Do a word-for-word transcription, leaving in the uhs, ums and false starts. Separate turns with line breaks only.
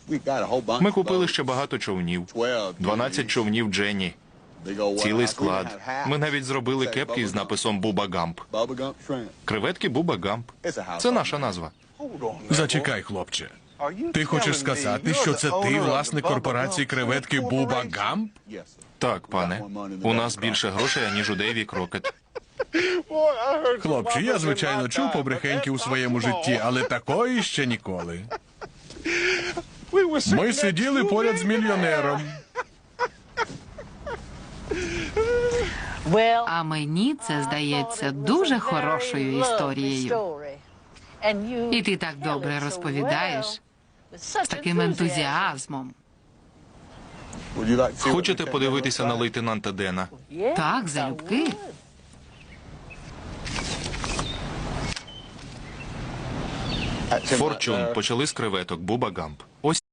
Ми купили ще багато човнів. дванадцять човнів Дженні. Цілий склад. Ми навіть зробили кепки з написом Буба Гамп. Креветки Буба Гамп. Це наша назва.
Зачекай, хлопче. Ти хочеш сказати, що це ти власник корпорації креветки Буба Гамп?
Так, пане. У нас більше грошей, ніж у Дейві Крокет.
Хлопче, я, звичайно, чув побрехеньки у своєму житті, але такої ще ніколи. Ми сиділи поряд з мільйонером.
А мені це здається дуже хорошою історією. І ти так добре розповідаєш, з таким ентузіазмом.
Хочете подивитися на лейтенанта Дена?
Так, залюбки.
Форчун почали з креветок Буба Гамп. Ось